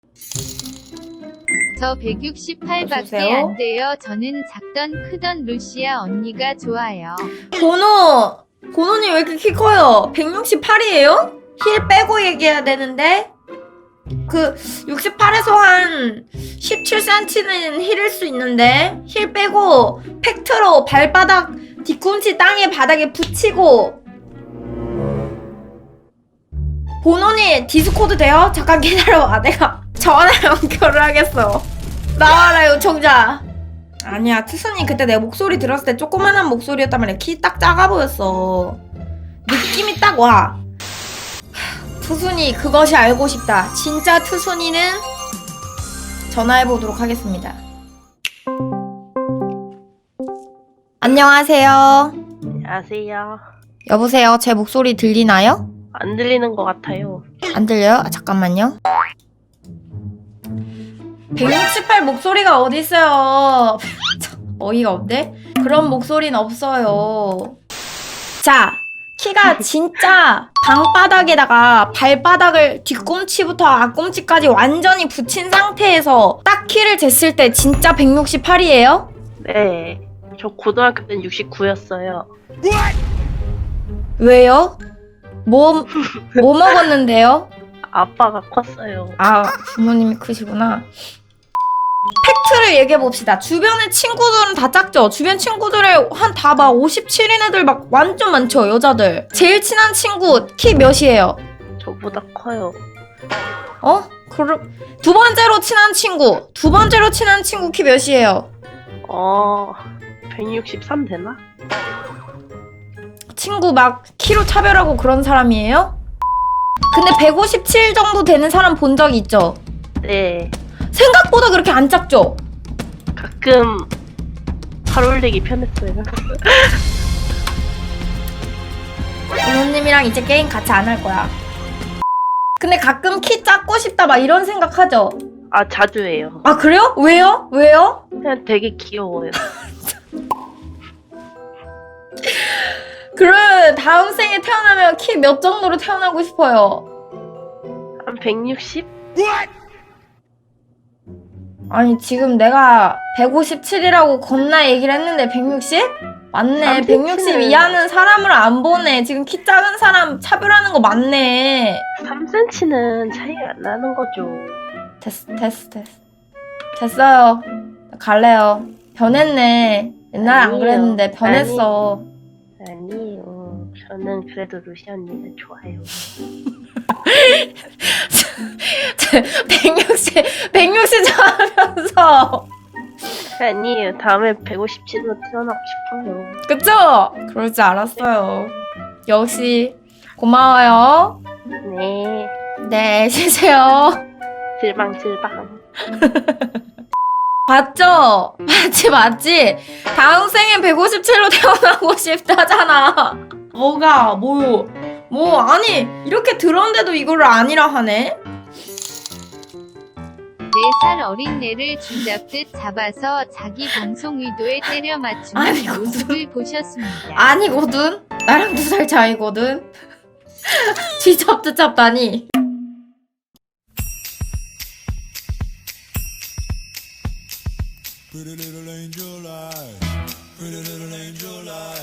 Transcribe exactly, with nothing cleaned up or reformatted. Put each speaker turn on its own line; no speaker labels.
저 백육십팔밖에 안 돼요. 저는 작던 크던 루시아 언니가 좋아요.
고노! 고노님 왜 이렇게 키 커요? 백육십팔이에요? 힐 빼고 얘기해야 되는데? 그 육십팔에서 한 십칠 센티미터는 힐일 수 있는데 힐 빼고 팩트로 발바닥 뒤꿈치 땅에 바닥에 붙이고. 고노님 디스코드 돼요? 잠깐 기다려봐. 내가 전화 연결을 하겠어. 나와라 요청자. 아니야, 투순이 그때 내 목소리 들었을 때 조그만한 목소리였단 말이야. 키 딱 작아 보였어. 느낌이 딱 와. 투순이 그것이 알고 싶다. 진짜 투순이는 전화해보도록 하겠습니다. 안녕하세요.
안녕하세요.
여보세요, 제 목소리 들리나요?
안 들리는 것 같아요.
안 들려요? 아, 잠깐만요. 백육십팔 목소리가 어딨어요. 어이가 없네? 그런 목소리는 없어요. 자, 키가 진짜 방바닥에다가 발바닥을 뒤꿈치부터 앞꿈치까지 완전히 붙인 상태에서 딱 키를 쟀을 때 진짜 백육십팔이에요?
네. 저 고등학교 때는 육십구였어요.
왜요? 뭐, 뭐 먹었는데요?
아빠가 컸어요.
아, 부모님이 크시구나. 팩트를 얘기해봅시다. 주변의 친구들은 다 작죠? 주변 친구들의 한 다 막 오십칠인 애들 막 완전 많죠? 여자들. 제일 친한 친구 키 몇이에요?
저보다 커요.
어? 그럼 두 번째로 친한 친구 두 번째로 친한 친구 키 몇이에요?
어... 백육십삼 되나?
친구 막 키로 차별하고 그런 사람이에요? 근데 백오십칠 정도 되는 사람 본 적 있죠?
네.
생각보다 그렇게 안 작죠?
가끔 팔 올리기 편했어요.
부모님이랑 이제 게임 같이 안 할 거야. 근데 가끔 키 작고 싶다 막 이런 생각하죠?
아, 자주 해요.
아 그래요? 왜요? 왜요?
그냥 되게 귀여워요.
그럼 다음 생에 태어나면 키 몇 정도로 태어나고 싶어요?
한 백육십?
아니 지금 내가 백오십칠이라고 겁나 얘기를 했는데 백육십? 맞네. 백육십 이하는 사람을 안 보네. 지금 키 작은 사람 차별하는 거 맞네.
삼 센티미터는 차이가 안 나는 거죠.
됐어 됐어 됐어 됐어요. 갈래요. 변했네. 옛날에 안
아니에요.
그랬는데 변했어.
아니에요. 저는 그래도 루시 언니는 좋아요.
백육십 백육십 좋아하면서.
아니에요. 다음에 백오십칠로 태어나고 싶어요.
그쵸? 그럴 줄 알았어요. 역시 고마워요.
네.
네, 쉬세요.
질방질방.
봤죠? 맞지 맞지? 다음 생엔 백오십칠로 태어나고 싶다잖아. 뭐가 뭐? 뭐 아니 이렇게 들었는데도 이거를 아니라 하네?
네 살 어린애를 쥐잡듯 잡아서 자기 방송 의도에 때려 맞추는
아니거든.
모습을 보셨습니다.
아니거든? 나랑 두 살 차이거든? 쥐잡듯 잡다니.
Pretty little angel eyes, pretty little angel eyes.